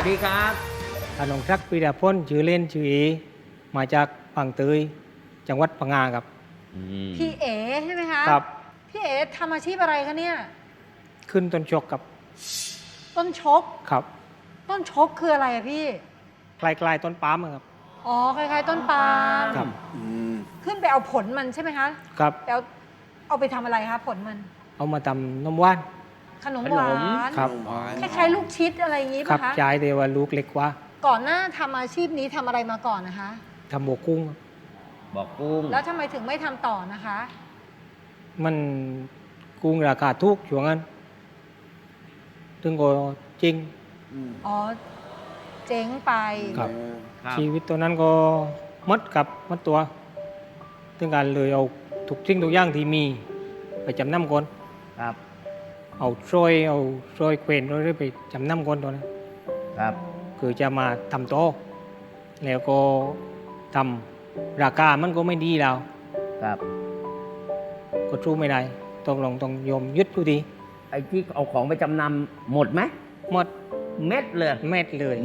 ดีครับอานงศักดิ์ปีดาพ้นชื่อเล่นชื่อเอมาจากฝั่งเตยจังหวัดพังงาครับพี่เอ๋ใช่ไหมคะครับพี่เอ๋ทำอาชีพอะไรคะเนี่ยขึ้นต้นชกกับต้นชกครับต้นชกคืออะไรอะพี่คล้ายๆต้นปาล์มครับอ๋อคล้ายๆต้นปาล์มครับขึ้นไปเอาผลมันใช่ไหมคะครับเอาไปทำอะไรคะผลมันเอามาทำนมว่านขนมหวานครับคล้ายๆลูกชิดอะไรอย่างงี้ครัป่ะคะใช่แต่ว่าลูกเล็กกว่าก่อนหน้าทำอาชีพนี้ทำอะไรมาก่อนนะคะทำบวกกุ้งบอกกุ้งแล้วทำไมถึงไม่ทำต่อนะคะมันกุ้งราคาถูกช่วงนั้นถึงก็จริงอ๋อเจ๊งไปครับชีวิตตัวนั้นก็มัดตัวถึงการเลยเอาทุกสิ่งทุกอย่างที่มีไปจำนำก่อนครับเอาโซยเควนเราได้ไปจำนำก่อนตัวนั้นครับคือจะมาทำโต๊ะแล้วก็ทำราคามันก็ไม่ดีแล้วครับก็สู้ไม่ได้ต้องยอมยึดอยู่ดีไอ้ที่เอาของไปจำนำหมดไหมหมดเม็ดเลยเม็ดเลย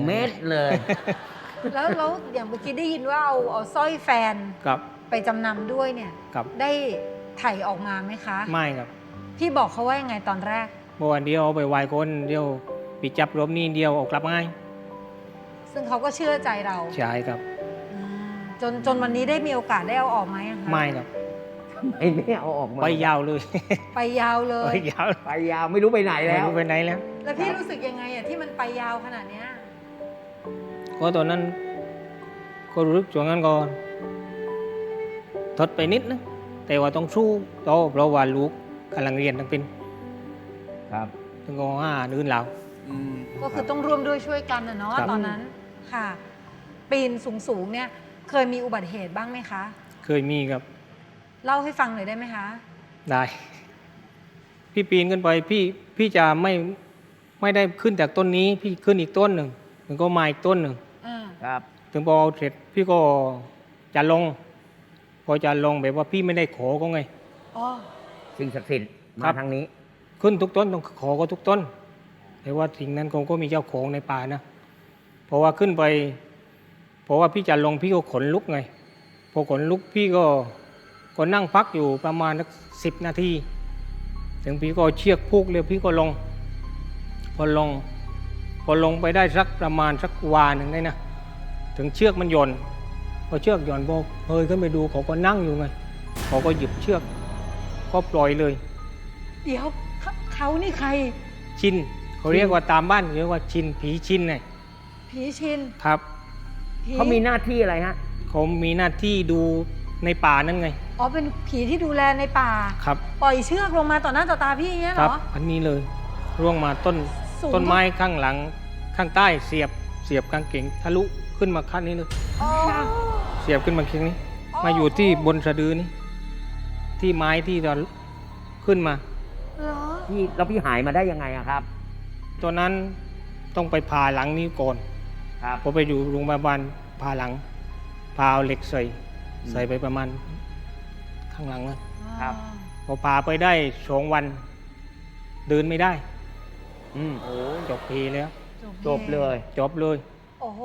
แล้วอย่างเมื่อกี้ได้ยินว่าเอาสร้อยแฟนไปจำนำด้วยเนี่ยได้ไถ่ออกมาไหมคะไม่ครับพี่บอกเขาว่ายังไงตอนแรกเมื่อวันเดียวไปไหว้คนเดียวปีจับรวมนี่เดียวออกกลับง่ายซึ่งเขาก็เชื่อใจเราใช่ครับจนวันนี้ได้มีโอกาสได้เอาออกไหมคะไม่ครับไม่เอาออกมาไปยาวเลยไปยาวเลยไปยาวไม่รู้ไปไหนแล้วไม่รู้ไปไหนแล้วแล้วพี่รู้สึกยังไงอะที่มันไปยาวขนาดเนี้ยก็ตอนนั้นก็รู้สึกช่วงนั้นก็ทดไปนิดนะแต่ว่าต้องสู้ต่อเพราะว่าลูกกำลังเรียนทั้งเป็นครับถึงก็นื่นแล้วก็คือต้องร่วมด้วยช่วยกันนะเนาะตอนนั้นค่ะปีนสูงเนี่ยเคยมีอุบัติเหตุบ้างไหมคะเคยมีครับเล่าให้ฟังหน่อยได้ไหมคะได้พี่ปีนขึ้นไปพี่จะไม่ได้ขึ้นจากต้นนี้พี่ขึ้นอีกต้นหนึ่งถึงก็มาอีกต้นหนึ่งครับถึงพอเสร็จพี่ก็จะลงพอจะลงแบบว่าพี่ไม่ได้ขอก็ไงสิ่งศักดิ์สิทธิ์มาทางนี้ขึ้นทุกต้นต้องขอก็ทุกต้นแต่ว่าสิ่งนั้นคงก็มีเจ้าของในป่านะเพราะว่าขึ้นไปเพราะว่าพี่จะลงพี่ก็ขนลุกไงพอขนลุกพี่ก็นั่งพักอยู่ประมาณสัก10 นาทีถึงพี่ก็เชือกผูกเลยพี่ก็ลงพอลงไปได้สักประมาณสักวาหนึ่งได้นะถึงเชือกมันหย่อนพอเชือกหย่อนพอเฮ้ยขึ้นไปดูเขาก็นั่งอยู่ไงเขาก็หยิบเชือกก็ปล่อยเลยเดี๋ยวเขานี่ใครชินเขาเรียกว่าตามบ้านเรียกว่าชินผีชินไงผีชินครับเขามีหน้าที่อะไรฮะเขามีหน้าที่ดูในป่านั่นไงอ๋อเป็นผีที่ดูแลในป่าครับปล่อยเชือกลงมาต่อหน้าต่อตาพี่อย่างเงี้ยเหรออันนี้เลยร่วงมาต้นไม้ข้างหลังข้างใต้เสียบกางเกงทะลุขึ้นมาขั้นนี้เลยเสียบขึ้นมาเคียงนี้มาอยู่ที่บนสะดือนี้ที่ไม้ที่เราขึ้นมาแล้วพี่หายมาได้ยังไงครับตอนนั้นต้องไปผ่าหลังนี้ก่อนพอไปอยู่โรงพยาบาลผ่าหลังผ่าเอาเหล็กใส่ไปประมาณข้างหลังครับพอผ่าไปได้2 วันเดินไม่ได้โอ้จบเพแล้วจบเลยโอ้โห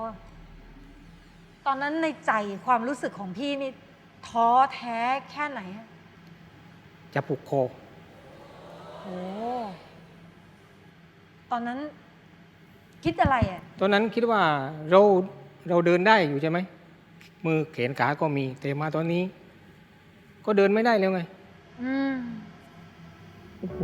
ตอนนั้นในใจความรู้สึกของพี่นี่ท้อแท้แค่ไหนจะผูกคอโอ้ตอนนั้นคิดอะไรตอนนั้นคิดว่าเราเดินได้อยู่ใช่ไหมมือแขนขาก็มีแต่มาตอนนี้ก็เดินไม่ได้แล้วไงโอ้โห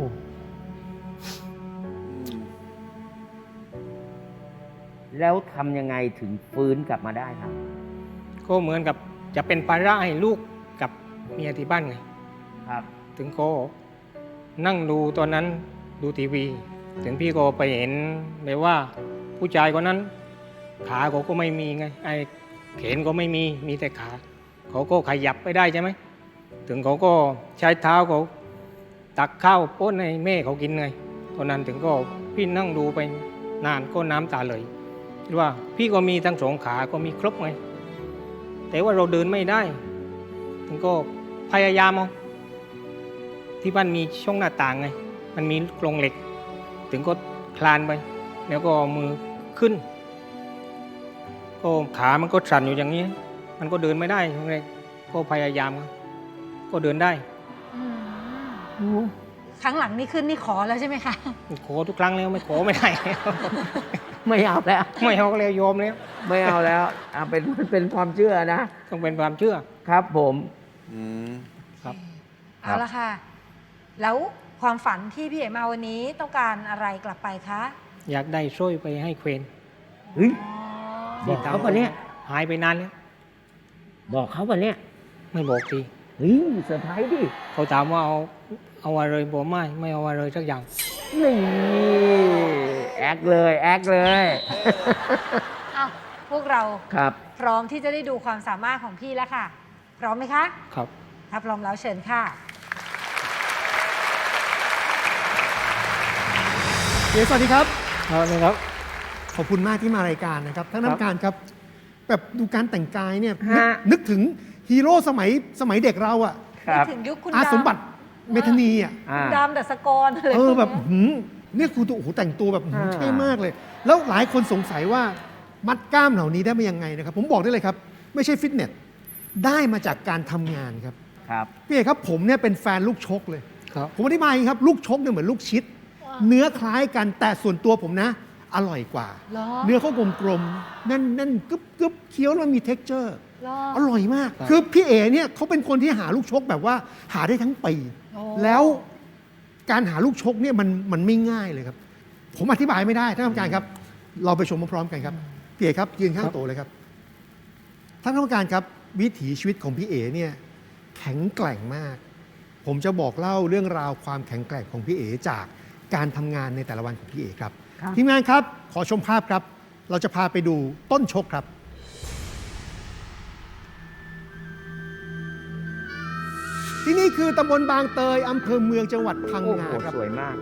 แล้วทำยังไงถึงฟื้นกลับมาได้ครับก็เหมือนกับจะเป็นภาระให้ลูกกับเมียที่บ้านไงครับถึงก็นั่งดูตอนนั้นดูทีวีถึงพี่ก็ไปเห็นเลยว่าผู้ชายคนนั้นขาเขาก็ไม่มีไงไอ้แขนก็ไม่มีแต่ขาเขาก็ขยับไปได้ใช่ไหมถึงเขาก็ใช้เท้าเขาตักข้าวป้อนให้แม่เขากินไงตอนนั้นถึงก็พี่นั่งดูไปนานก็น้ำตาไหลว่าพี่ก็มีทั้ง2 ขาก็มีครบไงแต่ว่าเราเดินไม่ได้ถึงก็พยายามเอาที่บ้านมีช่องหน้าต่างไงมันมีกรงเหล็กถึงก็คลานไปแล้วก็มือขึ้น ก็ขามันก็สั่นอยู่อย่างนี้ มันก็เดินไม่ได้ช่วงแรกก็พยายามก็เดินได้อืมครั้งหลังนี่ขึ้นนี่ขอแล้วใช่ไหมคะขอทุกครั้งแล้วไม่ขอไม่ได้ไม่เอาแล้วไม่เอาแล้วยอมแล้วไม่เอาแล้วเป็นความเชื่อนะต้องเป็นความเชื่อครับผมอืมครับเอาละค่ะ แล้วความฝันที่พี่เอ๋มาวันนี้ต้องการอะไรกลับไปคะอยากได้สร้อยไปให้เควนเฮ้ยอ๋อบอกเขาปะเนี่ยหายไปนานแล้วบอกเขาปะเนี่ยไม่บอกทีเฮ้ยเซอร์ไพรส์ดิเขาถามว่าเอาอะไรบอกไม่เอาอะไรสักอย่างนี่แอคเลยแอคเลยอ้าวพวกเราครับพร้อมที่จะได้ดูความสามารถของพี่แล้วค่ะ พร้อมไหมคะครับถ้าพร้อมแล้วเชิญค่ะสวัสดีครับครับขอบคุณมากที่มารายการนะครับท่านครับน้ำการครับ แบบดูการแต่งกายเนี่ยฮะนึกถึงฮีโร่สมัยเด็กเราอะครับถึงยุคคุณอาดำสมบัติเมธานีอะอ่าคุณดำดัสกรอะไรแบบพวกหืเนี้ยมเนี่ยครูตัวโอ้โหแต่งตัวแบบหืมอ่าเท่มากเลย แล้วหลายคนสงสัยว่ามัดกล้ามเหล่านี้ได้มายังไงนะครับ ผมบอกได้เลยครับ ไม่ใช่ฟิตเนสได้มาจากการทำงานครับครับพี่เอกครับผมเนี่ยเป็นแฟนลูกชกเลยครับผมอธิบายอย่างนี้ครับลูกชกเนี่ยเหมือนลูกชิด เนื้อคล้ายกันแต่ส่วนตัวผมนะ อร่อยกว่าเหรอเนื้อเขากลมๆแน่นๆกึบๆเคี้ยวแล้วมันมี texture เหรออร่อยมากครับคือพี่เอ๋เนี่ยเขาเป็นคนที่หาลูกชกแบบว่าหาได้ทั้งปีโอ้แล้วการหาลูกชกเนี่ยมันไม่ง่ายเลยครับ ผมอธิบายไม่ได้ท่านกรรมการครับ เราไปชมพร้อมๆกันครับพี่เอ๋ครับยืนข้างโต๊ะเลยครับท่านกรรมการครับวิถีชีวิตของพี่เอ๋เนี่ยแข็งแกร่งมาก ผมจะบอกเล่าเรื่องราวความแข็งแกร่งของพี่เอ๋จากการทำงานในแต่ละวันของพี่เอ๋ครับครับทีมงานครับขอชมภาพครับ เราจะพาไปดูต้นชกครับ ที่นี่คือตำบลบางเตยอำเภอเมืองจังหวัดพังโอ้งาโหครับสวยมาก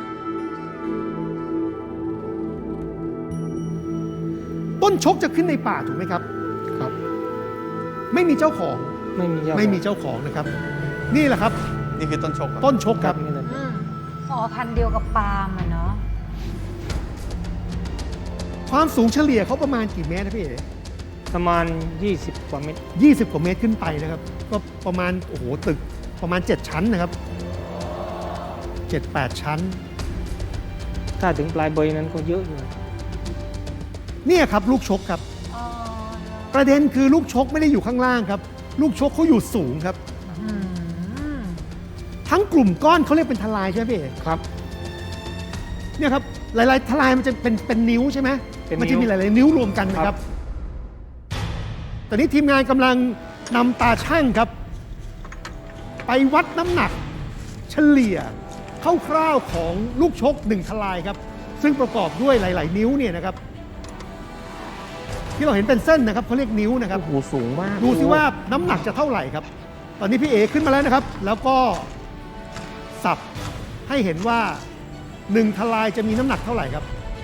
ต้นชกจะขึ้นในป่าถูกไหมครับครับไม่มีเจ้าของไม่มีไม่มีเจ้าของนะครับ นี่แหละครับนี่คือต้นชกเหรอต้นชกครับนี่เลยอืมอ๋อพันธุ์เดียวกับปาล์มอะเนาะความสูงเฉลี่ยเขาประมาณกี่เมตรนะพี่เอ๋ประมาณ 20 กว่าเมตร 20 กว่าเมตรขึ้นไปนะครับ ก็ประมาณโอ้โหตึกประมาณ 7 ชั้นนะครับ 7-8 ชั้นถ้าถึงปลายเบยนั้นก็เยอะอยู่เนี่ยครับลูกชกครับอ๋อประเด็นคือลูกชกไม่ได้อยู่ข้างล่างครับ ลูกชกเขาอยู่สูงครับอืมทั้งกลุ่มก้อนเขาเรียกเป็นทลายใช่ไหมพี่เอกครับเนี่ยครับหลายๆทลายมันจะเป็นนิ้วใช่ไหมเป็นนิ้วมันจะมีหลายๆนิ้วรวมกันนะครับ ตอนนี้ทีมงานกำลังนำตาช่างครับ ไปวัดน้ำหนักเฉลี่ยคร่าวๆของลูกชก1ทลายครับ ซึ่งประกอบด้วยหลาย ๆ นิ้วเนี่ยนะครับ ที่เราเห็นเป็นเส้นนะครับเขาเรียกนิ้วนะครับโอ้โหสูงมากดูสิว่าน้ำหนักจะเท่าไหร่ครับ ตอนนี้พี่เอขึ้นมาแล้วนะครับ แล้วก็สับให้เห็นว่า1ทลายจะมีน้ำหนักเท่าไหร่ครับ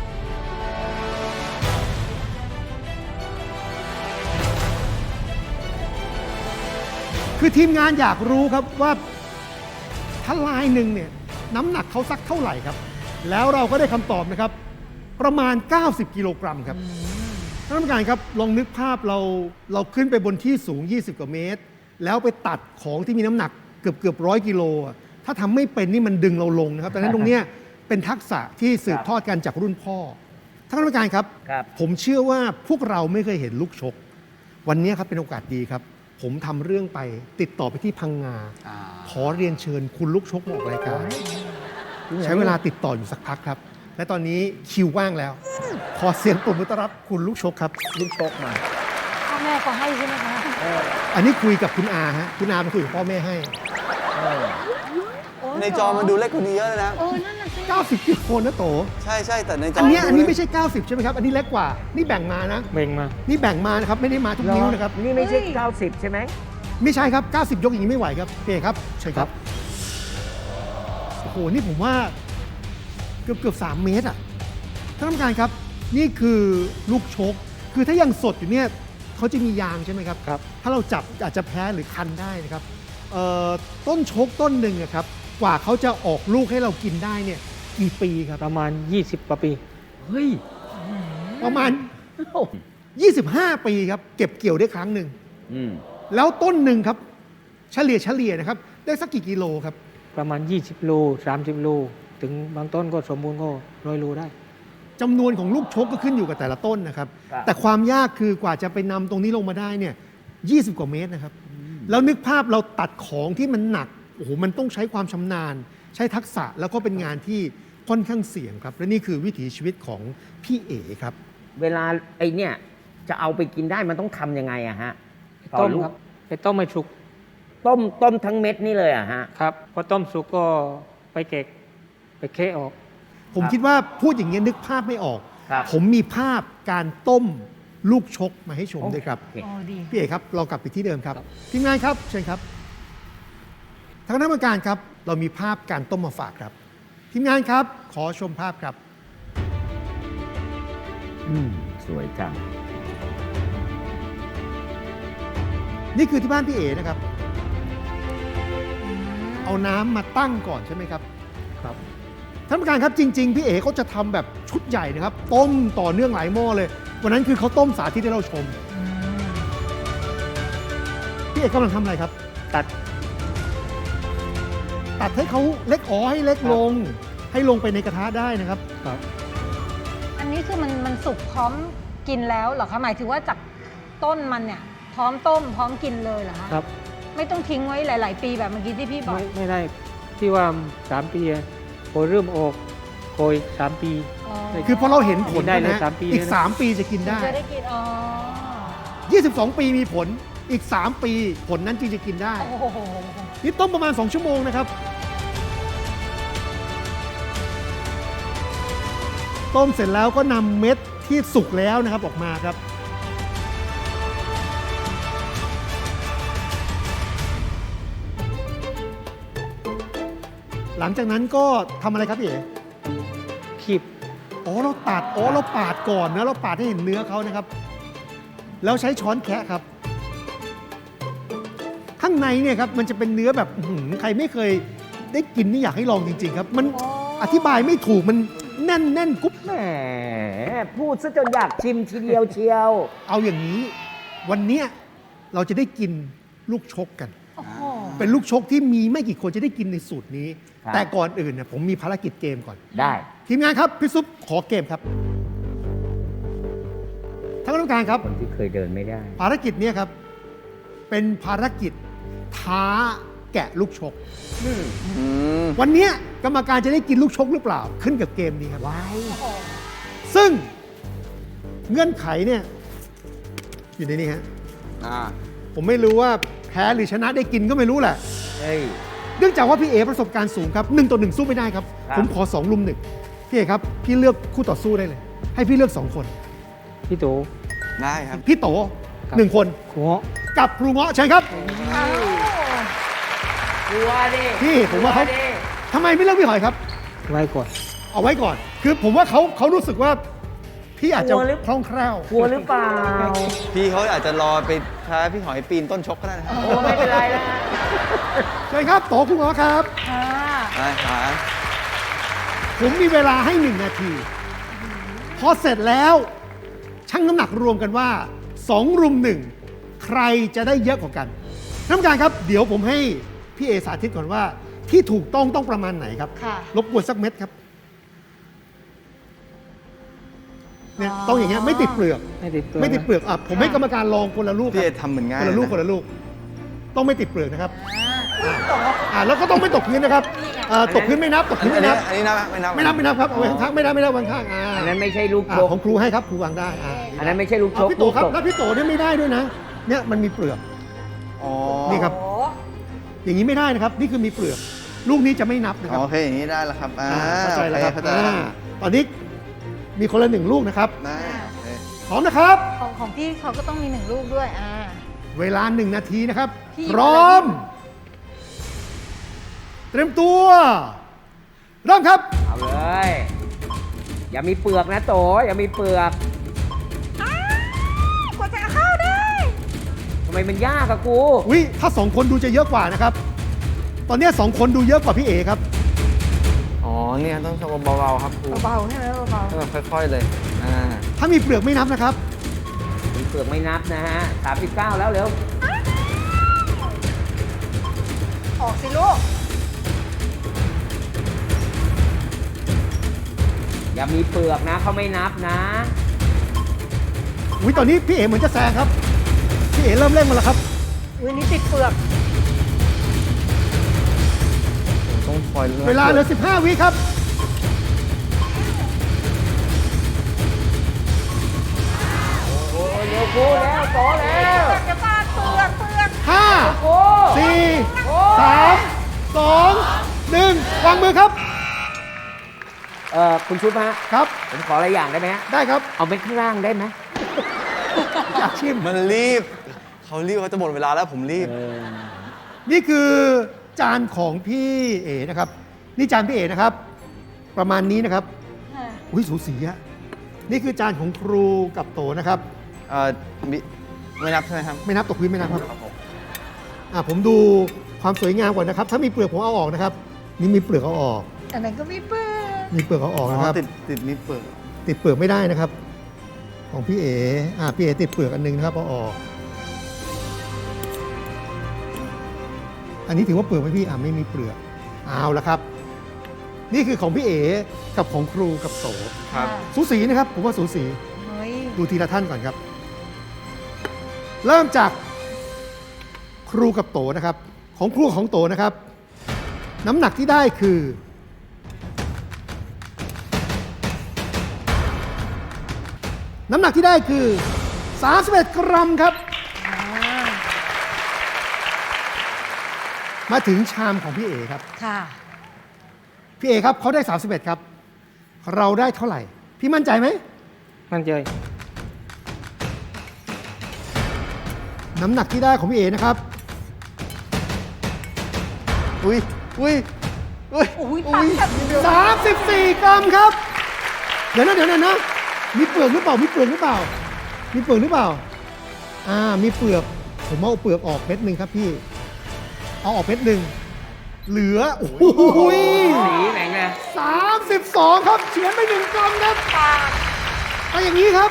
คือทีมงานอยากรู้ครับว่าทลายหนึ่งเนี่ยน้ำหนักเขาสักเท่าไหร่ครับ แล้วเราก็ได้คำตอบนะครับ ประมาณ 90 กิโลกรัมครับ ท่านผู้การครับลองนึกภาพเราขึ้นไปบนที่สูง 20 กว่าเมตร แล้วไปตัดของที่มีน้ำหนักเกือบ100 กิโลอะถ้าทำไม่เป็นนี่มันดึงเราลงนะครับดังนั้นตรงเนี้ยเป็นทักษะที่สืบทอดกันจากรุ่นพ่อท่านผู้การครับครับผมเชื่อว่าพวกเราไม่เคยเห็นลูกชก วันนี้ครับเป็นโอกาสดีครับ ผมทำเรื่องไปติดต่อไปที่พังงาอ่าขอเรียนเชิญคุณลูกชกมาออกรายการ ใช้เวลาติดต่ออยู่สักพักครับ และตอนนี้คิวว่างแล้ว ขอเสียงปรบมือต้อนรับคุณลูกชกครับลูกชกมาพ่อแม่ก็ให้ใช่ไหมคะอันนี้คุยกับคุณอาฮะคุณอาเป็นคุยกับพ่อแม่ให้เออโอ้ยในจอมันดูเล็กกว่านี้เยอะเลยนะนั่นน่ะสิ 90กิโลนะโตใช่ใช่แต่ในจออัอันเนี้ยอันนี้ไม่ใช่ 90 ใช่ไหมครับ อันนี้เล็กกว่า นี่แบ่งมานะเบ่งมานี่แบ่งมานะครับ ไม่ได้มาทุกนิ้วนะครับนี่ไม่ใช่ 90 ใช่ไหมไม่ใช่ครับ 90 ยกอย่างนี้ไม่ไหวครับโอเคครับใช่ครับ โอ้โห นี่ผมว่าเกือบ3 เมตรอ่ะท่านผู้การครับ นี่คือลูกชก คือถ้ายังสดอยู่เนี่ยเขาจะมียางใช่ไหมครับครับถ้าเราจับอาจจะแพ้หรือคันได้นะครับต้นชกต้นหนึ่งอะครับ กว่าเขาจะออกลูกให้เรากินได้เนี่ยกี่ปีครับประมาณ 20 กว่าปีเฮ้ยประมาณ 25 ปีครับ เก็บเกี่ยวได้ครั้งหนึ่งอืมแล้วต้นหนึ่งครับ เฉลี่ยนะครับ ได้สักกี่กิโลครับประมาณ 20 โล 30 โล ถึงบางต้นก็สมบูรณ์ก็100 โลได้จำนวนของลูกชกก็ขึ้นอยู่กับแต่ละต้นนะครับครับแต่ความยากคือกว่าจะไปนำตรงนี้ลงมาได้เนี่ย 20 กว่าเมตรนะครับ แล้วนึกภาพเราตัดของที่มันหนัก โอ้โห มันต้องใช้ความชำนาญ ใช้ทักษะ แล้วก็เป็นงานที่ค่อนข้างเสี่ยงครับ และนี่คือวิถีชีวิตของพี่เอ๋ครับเวลาไอเนี่ยจะเอาไปกินได้มันต้องทำยังไงอะฮะต่อต้มลูกครับไปต้มให้สุกต้มทั้งเม็ดนี่เลยอะฮะครับพอต้มสุกก็ไปเก็บไปเคะออกผมครับคิดว่าพูดอย่างนี้ยนึกภาพไม่ออกครับผมมีภาพการต้มลูกชกมาให้ชมด้วยครับโอเคโอ้ดีพี่เอกครับเรากลับไปที่เดิมครับครับทีมงานครับเชิญครับทางคณะกรรมการครับ เรามีภาพการต้มมาฝากครับ ทีมงานครับ ขอชมภาพครับสวยจังนี่คือที่บ้านพี่เอนะครับ เอาน้ำมาตั้งก่อนใช่ไหมครับครับท่านผู้การครับจริง ๆ พี่เอเขาจะทำแบบชุดใหญ่นะครับ ต้มต่อเนื่องหลายหม้อเลย วันนั้นคือเขาต้มสาธิตให้เราชม พี่เอกกำลังทำอะไรครับตัดตัดให้เขาเล็กให้เล็กลง ให้ลงไปในกระทะได้นะครับครับอันนี้คือมันสุกพร้อมกินแล้วเหรอคะหมายถึงว่าจากต้นมันเนี่ยพร้อมต้มพร้อมกินเลยเหรอคะครับไม่ต้องทิ้งไว้หลาย ๆ ปีแบบเมื่อกี้ที่พี่บอกไม่ได้ที่ว่า 3 ปีอะพอเริ่มออกโกย3 ปีคือพอเราเห็นผลได้เลยนะ 3 ปีอีกเลยนะ 3 ปีจะกินได้จะได้กินอ๋อ 22 ปีมีผลอีก 3 ปีผลนั้นจึงจะกินได้โอ้โหนี่ต้มประมาณ 2 ชั่วโมงนะครับ ต้มเสร็จแล้วก็นำเม็ดที่สุกแล้วนะครับออกมาครับ หลังจากนั้นก็ทำอะไรครับพี่เอ๋คีบอ๋อเราตัดอ๋อเราปาดก่อนนะเราปาดให้เห็นเนื้อเขานะครับ แล้วใช้ช้อนแคะครับ ข้างในเนี่ยครับมันจะเป็นเนื้อแบบอื้อหือใครไม่เคยได้กินนี่อยากให้ลองจริง ๆ ครับ มันอธิบายไม่ถูกมันแน่นกรุ๊บแหมพูดซะจนอยากชิมทีเดียวเชียวเอาอย่างนี้ วันเนี้ยเราจะได้กินลูกชกกันโอ้โหเป็นลูกชกที่มีไม่กี่คนจะได้กินในสูตรนี้ครับแต่ก่อนอื่นเนี่ยผมมีภารกิจเกมก่อนได้ทีมงานครับพี่ซุปขอเกมครับท่านกรรมการครับคนที่เคยเดินไม่ได้ภารกิจเนี้ครับเป็นภารกิจท้าแกะลูกชกอืมวันเนี้ยกรรมการจะได้กินลูกชกหรือเปล่าขึ้นกับเกมนี้ครับว้ายซึ่งเงื่อนไขเนี่ยอยู่ในนี้ฮะอ่าผมไม่รู้ว่าแพ้หรือชนะได้กินก็ไม่รู้แหละเฮ้ยเนื่องจากว่าพี่เอประสบการณ์สูงครับ1 ต่อ 1 สู้ไม่ได้ครับครับผมขอ2 ลุม 1พี่เอครับ พี่เลือกคู่ต่อสู้ได้เลย ให้พี่เลือก 2 คนพี่โตได้ครับพี่โตครับ 1 คนหัวกับครูเงาะเชิญครับอ้าวกลัวดิพี่ผมว่าเขากลัดิทำไมไม่เลือกพี่หอยครับไว้ก่อนเอาไว้ก่อน คือผมว่าเขารู้สึกว่าพี่อาจจะคล่องแคล่วกลัวหรือเปล่าพี่เขาอาจจะรอไปท้าพี่หอยปีนต้นชกก็ได้นะครับโอ้ไม่เป็นไรแล้วเชิญครับโตครูเงาะครับค่ะได้ครับผมมีเวลาให้ 1 นาที พอเสร็จแล้วชั่งน้ำหนักรวมกันว่า 2 รุม 1 ใครจะได้เยอะกว่ากันท่านผู้การครับ เดี๋ยวผมให้พี่เอสาธิตก่อนว่า ที่ถูกต้องประมาณไหนครับค่ะรบกวนสักเม็ดครับเนี่ยต้องอย่างเงี้ยไม่ติดเปลือกไม่ติดตัวไม่ติดเปลือกอ่ะผมให้กรรมการลองคนละลูกคพี่รัเอบ ทำเหมือนง่ายคนละลูกนะคนละลูก ต้องไม่ติดเปลือกนะครับอ่าแล้วก็ต้องไม่ตกพื้นนะครับตกพื้นไม่นับตกอัพื้นไม่นับนนี้นับไหมไม่นับไม่นับครับเอาไว้ข้างๆไม่นับวางข้างๆอันนั้นไม่ใช่ลูกอ่าชกของครูให้ครับครูวางได้อันนั้นไม่ใช่ลูกชกพี่โตครับลูกตแล้วพี่โตเนี่ยไม่ได้ด้วยนะ เนี่ยมันมีเปลือกอ๋อนี่ครับโอ้อย่างนี้ไม่ได้นะครับ นี่คือมีเปลือก ลูกนี้จะไม่นับนะคอ๋รัอบ โอเคอย่างนี้ได้แล้วครับเข้าใจแล้วครับเข้าใจแล้วตอนนี้มีคนละ1 ลูกนะครับได้โอเคพร้อมนะครับของพี่เขาก็ต้องมี1 ลูกด้วยเวลา1 นาทีนะครับพี่พร้อม เตรียมตัว เริ่มครับเอาเลย อย่ามีเปลือกนะโต อย่ามีเปลือกกว่าจะเข้าได้ทำไมมันยากอะกูอุ้ยถ้า2 คนดูจะเยอะกว่านะครับ ตอนนี้2 คนดูเยอะกว่าพี่เอครับอ๋อเนี่ยต้องทำเบาๆครับครูเบาๆใช่ไหมเบาต้องแบบค่อยๆเลยถ้ามีเปลือกไม่นับนะครับมีเปลือกไม่นับนะฮะ39แล้วเร็วออกสิลูกอย่ามีเปลือกนะเขาไม่นับนะอุ้ยตอนนี้พี่เอ๋เหมือนจะแซงครับ พี่เอ๋เริ่มเร่งมาแล้วครับอุ้ยนี่ติดเปลือกต้องคอยเวลาเหลือ 15 วิครับโอ้ยเร็วกูแล้วโตแล้วจะฟาดเปลือกเปลือก 5 โอ้ 4 3 2 1 วางมือครับคุณชุบฮะครับผมขออะไรอย่างได้ไหมฮะได้ครับเอาเม็ดข้างล่างได้ไหมอยากชิมมันรีบ เขารีบเขาจะหมดเวลาแล้วผมรีบนี่คือจานของพี่เอ๋นะครับ นี่จานพี่เอ๋นะครับ ประมาณนี้นะครับ อุ้ยสูสีอะนี่คือจานของครูกับโตนะครับไม่นับใช่ไหมครับไม่นับตกพื้นไม่นับครับผมดูความสวยงามก่อนนะครับ ถ้ามีเปลือกผมเอาออกนะครับ นี่มีเปลือกเอาออกอันนั้นก็มีเปลือกมีเปลือกเอาออกนะครับติดมีเปิดติดเปลือกไม่ได้นะครับ ของพี่เอ๋พี่เอ๋ติดเปลือกอันนึงนะครับเอาออก อันนี้ถือว่าเปลือกไหมพี่ไม่มีเปลือกเอาละครับ นี่คือของพี่เอ๋กับของครูกับโตครับสูสีนะครับ ผมว่าสูสีเฮ้ยดูทีละท่านก่อนครับ เริ่มจากครูกับโตนะครับ ของครูของโตนะครับ น้ำหนักที่ได้คือ น้ำหนักที่ได้คือ 31 กรัมครับ มาถึงชามของพี่เอครับค่ะพี่เอครับเขาได้ 31 ครับ เราได้เท่าไหร่ พี่มั่นใจไหมมั่นใจน้ำหนักที่ได้ของพี่เอนะครับอุ้ย อุ้ย อุ้ยอุ้ยตักแบบ 34 กรัมครับ เดี๋ยวนะมีเปลือกหรือเปล่า มีเปลือกหรือเปล่า มีเปลือกหรือเปล่า มีเปลือก ผมเอาเปลือกออกเม็ดหนึ่งครับพี่ เอาออกเม็ดหนึ่ง เหลือ โอ้โหสีไหนไง 32 ครับเฉือนไป1 กรัมครับเอาอย่างนี้ครับ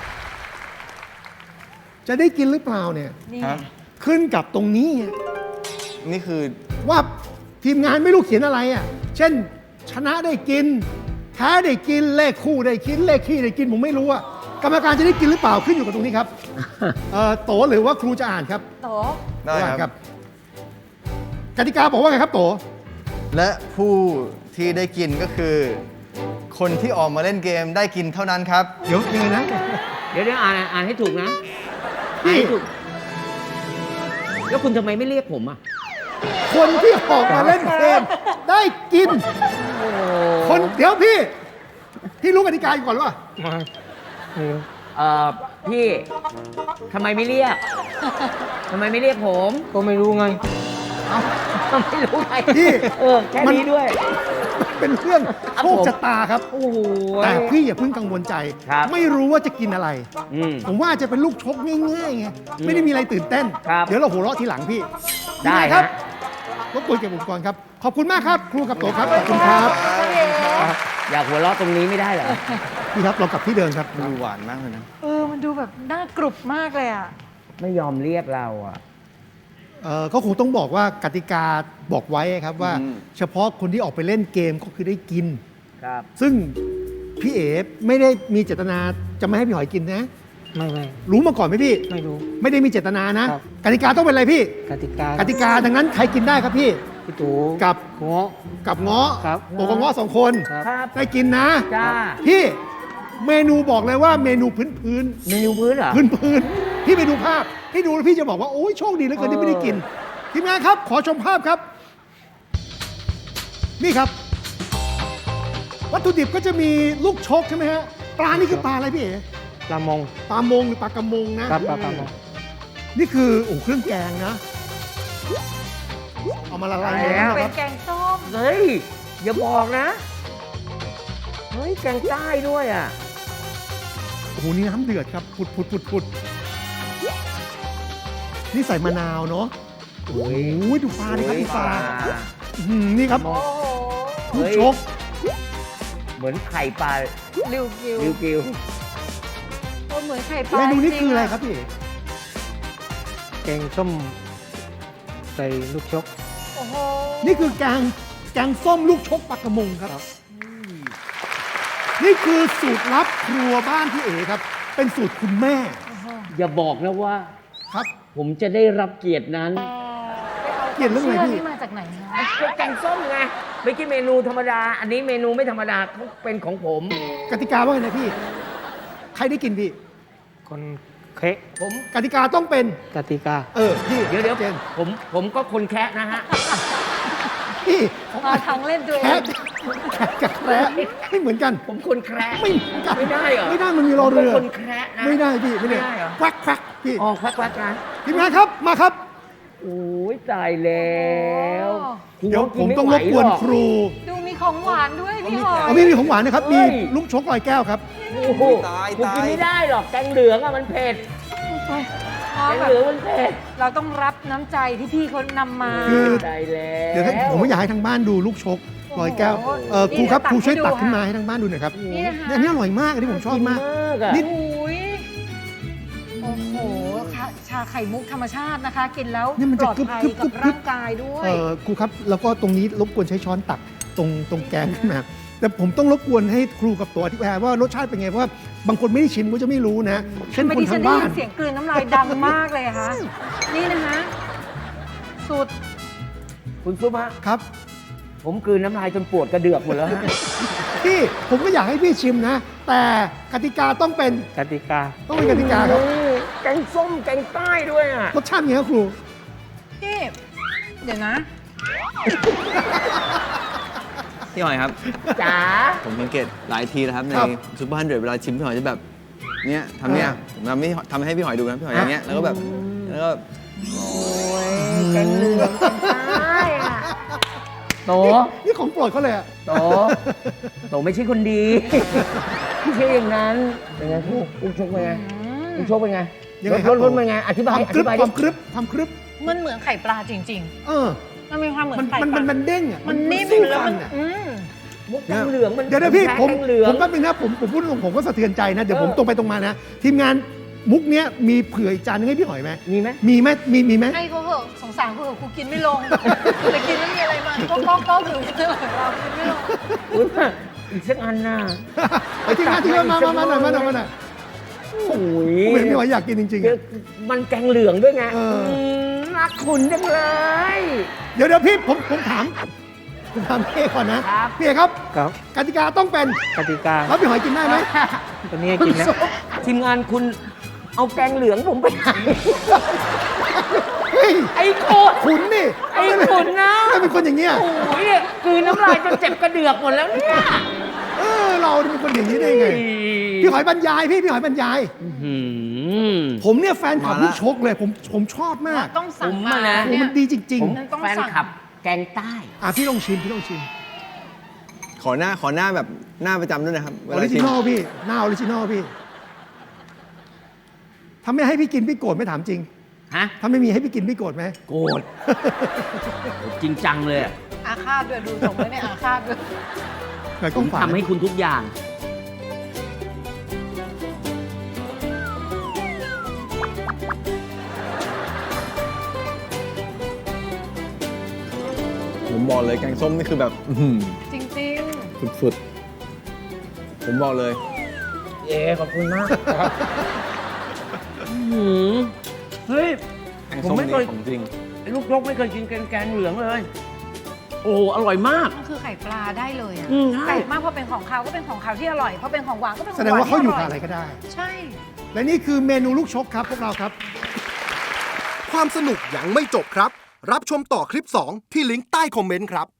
จะได้กินหรือเปล่าเนี่ยนี่ครับขึ้นกับตรงนี้นี่คือว่าทีมงานไม่รู้เขียนอะไรอ่ะ เช่น ชนะได้กิน แพ้ได้กิน เลขคู่ได้กิน เลขขี้ได้กิน ผมไม่รู้อ่ะ กรรมการจะได้กินหรือเปล่าขึ้นอยู่กับตรงนี้ครับ โตหรือว่าครูจะอ่านครับโตได้ครับกติกาบอกว่าไงครับโตและผู้ที่ได้กินก็คือ คนที่ออกมาเล่นเกมได้กินเท่านั้นครับเดี๋ยวยังไงนะเดี๋ยวอ่านให้ถูกนะพี่อ่านให้ถูก แล้วคุณทำไมไม่เรียกผมอ่ะคนที่ออกมาเล่นเกมได้กินโอ้คนเดี๋ยวพี่รู้กติกาอยู่ก่อนหรือเปล่ามาไม่รู้พี่ทำไมไม่เรียกทำไมไม่เรียกผมก็ไม่รู้ไงเอ้าไม่รู้ไงพี่แค่นี้ด้วยเป็นเรื่องครับโชคผมชะตาครับโอ้โหแต่พี่อย่าเพิ่งกังวลใจครับไม่รู้ว่าจะกินอะไรอืมผมว่าจะเป็นลูกชกง่ายๆไง ไม่ได้มีอะไรตื่นเต้นครับเดี๋ยวเราหัวเราะทีหลังพี่ได้พี่นายครับฮะรบกวนเก็บอุปกรณ์ครับ ขอบคุณมากครับ ครูกับโตครับ ขอบคุณครับอยากหัวเราะตรงนี้ไม่ได้เหรอพี่ครับเรากลับที่เดิมครับดูหวานมากเลยนะมันดูแบบน่ากรุบมากเลยอ่ะไม่ยอมเรียกเราอ่ะก็คงต้องบอกว่ากติกาบอกไว้ครับว่าอืมเฉพาะคนที่ออกไปเล่นเกมก็คือได้กินครับซึ่งพี่เอ๋ไม่ได้มีเจตนาจะไม่ให้พี่หอยกินนะไม่รู้มาก่อนไหมพี่ไม่รู้ไม่ได้มีเจตนานะครับกติกาต้องเป็นอะไรพี่กติกากติกาดังนั้นใครกินได้ครับพี่พี่ตู่กับหัวกับเงาะครับโตกับเงาะ2 คนครับครับได้กินนะจ้าพี่เมนูบอกเลยว่าเมนูพื้นเมนูพื้นเหรอพื้นพี่ไปดูภาพพี่ดูแล้วพี่จะบอกว่าโอ้ยโชคดีเหลือเกินที่ไม่ได้กินทีมงานครับ ขอชมภาพครับ นี่ครับ วัตถุดิบก็จะมีลูกชกใช่ไหมฮะปลานี่คือปลาอะไรพี่เอ๋ปลามงปลามงหรือปลากระมงนะครับปลามงนี่คือเครื่องแกงนะ เอามาละลายในน้ำเป็คน รับแกงส้มเฮ้ย อย่าบอกนะ เฮ้ย แกงใต้ด้วยอ่ะโอ้โหนี่น้ำเดือดครับผุดนี่ใส่มะนาวเนาะโอ้ยดูปลาดิครับดูปลานี่ครับโอ้โหลูกชกเหมือนไข่ปลาริวกิวริวกิวเหมือนไข่ปลาเมนูนี้จงๆคืออะไรครับพี่เอ๋แกงส้มใส่ลูกชกโอ้โหนี่คือแกงส้มลูกชกปลากระมงครับนี่คือสูตรลับครัวบ้านพี่เอ๋ครับ เป็นสูตรคุณแม่อย่าบอกนะว่าครับผมจะได้รับเกียรตินั้นเกลียดเรื่องอะไรพี่นี่มาจากไหนคะก็แกงส้มไงไม่ใช่เมนูธรรมดา อันนี้เมนูไม่ธรรมดาเขาเป็นของผมกติกาว่าไงนะพี่ ใครได้กินพี่คนเคะผมกติกาต้องเป็นกติกาพี่เดี๋ยวเจนผมก็คนแคะนะฮะพี่มาทางเล่นตัวเอแคะงแคะกับแคระไม่เหมือนกันผมคนแคระไม่เหมือนกันไม่ได้เหรอไม่ได้มันมีรอเรือผมป็นคนแคระนะไม่ได้พี่ไม่ได้ไม่ได้เหรอแควกแควกพี่อ๋อแควกๆนะทีมงานครับมาครับโอ้ยตายแล้วเดี๋ยวผมต้องรบกวนครูดูมีของหวานด้วยพี่หอยเอามีของหวานนะครับ มีลูกชกลอยแก้วครับโอ้โหกูกินไม่ได้หรอกแกงเหลืองอะมันเผ็ดอ๋อแกงแบเหลืองบมันเผ็ดเราต้องรับน้ำใจที่พี่เขานำมาคือตายแล้วเดี๋ยวผมไม่อยากให้ทางบ้านดูลูกชกลอยแก้วโอ้โหครูครับนี่ครูช่วยเดี๋ยวตัตักกให้ดูขึ้นมาค่ะให้ทางบ้านดูหน่อยครับนี่นะคะอันนี้อร่อยมากอันนี้ผมชอบมากอะนี่อุ้ยโอ้โหชาไข่มุกธรรมชาตินะคะ กินแล้วนี่มันปจะลอดกรึบภัยกรึบกับกรึบร่างกายด้วยครูครับแล้วก็ตรงนี้รบกวนใช้ช้อนตักตรงแกงขึ้นมาแต่ผมต้องรบกวนให้ครูกับตัวอธิบายว่ารสชาติเป็นไงเพราะว่าบางคนไม่ได้ชิมก็จะไม่รู้นะเช่นทำไมคนดิฉัทาน งได้บ้ายินนเสียงกลืนน้ำลายดังมากเลยอะคะ นี่นะคะสูตรคุณซุปฮะครับผมกลืนน้ำลายจนปวดกระเดือกหมดแล้วฮะพี่ผมก็อยากให้พี่ชิมนะ แต่กติกาต้องเป็นกติกากติกาครับแกงส้มแกงใต้ด้วยอ่ะรสชาติเป็นไงครับครูพี่ เดี๋ยวนะพี่หอยครับจ๋าผมสังเกตหลายทีนะครับในครับซุปเปอร์ฮันเดรดเวลาชิมพี่หอยจะแบบเนี้ยทำเนี้ยผมทำให้พี่หอยดูนะพี่หอยอย่างเงี้ยแล้วก็แบบแล้วก็โอ้ยแกงเหลืองแกงใต้อ่ะโตนี่ของโปรดเขาเลยอะโตไม่ใช่คนดี ไม่ใช่อย่างนั้นเป็นไงลูกชกเป็นไงลูกชกเป็นไงยังไงครับรสเป็นไงอธิบายความอกรึธิบบายคดิวามกรึบความกรึบมันเหมือนไข่ปลาจริงเออๆ มันมีความเหมือนไข่มันปลามันเด้งอ่ะมันนิ่มสู้แล้วฟัมันอะมุกแกงเหลืองมันเดี๋ยวนะพี่แพ้ผมแกงเหลืองแป๊บนึงนะผมพูดตรงผมก็สะเทือนใจนะ เดี๋ยวผมเออตรงไปตรงมานะ ทีมงานมุกเนี้ยมีเผื่ออีกจานนึงให้พี่หอยไหมมีไหมมีไหมมีไหมให้เขาเหอะสงสารเขาเหอะกูกินไม่ลง แต่กินแล้วมีอะไรมาก็หรือเรากินไม่ลงอุ๊ยอีกสักอันน่ะไอ้ทีมงานที่มาหน่อยมาหน่อยโอ้ยผมเห็นพี่หอยอยากกินจริงๆเดี๋ยวอะมันแกงเหลืองด้วยไงเอออืรักคุณจังเลยเดี๋ยวพี่ผมถามพี่เอก่อนนะครับ พี่เอครับครับกติกาต้องเป็นกติกาแล้วพี่หอยกินได้ไหมตัวนี้กินแล้วทีมงานคุณเอาแกงเหลืองผมไปไหนเฮ้ยไอ้โคตรขุนนี่ไอ้ขุนนะไม่เป็นคนอย่างเงี้ยโอ้ยเนี่ยกลืนน้ำลายจนเจ็บกระเดือกหมดแล้วเนี่ยเราเป็นคนอย่างนี้ได้ไง พี่หอยบรรยายพี่หอยบรรยายหืมผมเนี่ยแฟนคลับมาละลูกชกเลยผมชอบมากต้องสั่งผมมาอะนะโอ้มันดีจริงผมต้องแฟนสั่งขับแกงใต้พี่ลองชิมพี่ลองชิมขอหน้าแบบหน้าประจำด้วยนะครับออริจินอลพี่หน้าออริจินอลพี่ถ้าไม่ให้พี่กินพี่โกรธไหม่ถามจริงฮะถ้าไม่มีให้พี่กินพี่โกรธไหมโกรธจริงจังเลยอะอาฆาตด้วยดูสมไว้ในอาฆาตด้วยหน่อยผก้อมงฝาทำให้คุณทุกอย่างผมบอกเลยแกงส้มนี่คือแบบอื้อหือจริงสุดๆผมบอกเลยเอ๋ขอบคุณมากเฮ้ยแกงผมส้มไม่นี่เคยของจริงลูกนกไม่เคยกินแกงเหลืองเลย โอ้อร่อยมากๆ มันคือไข่ปลาได้เลยอ่ะอืมใช่แปลกมากเพราะเป็นของเขาก็เป็นของเขาที่อร่อยเพราะเป็นของหวานก็เป็นของแสดงว่าเขาอยู่หกับนอะไรที่ก็ได้ใช่และนี่คือเมนูลูกชกครับพวกเราครับความสนุกยังไม่จบครับ รับชมต่อคลิป 2 ที่ลิงก์ใต้คอมเมนต์ครับ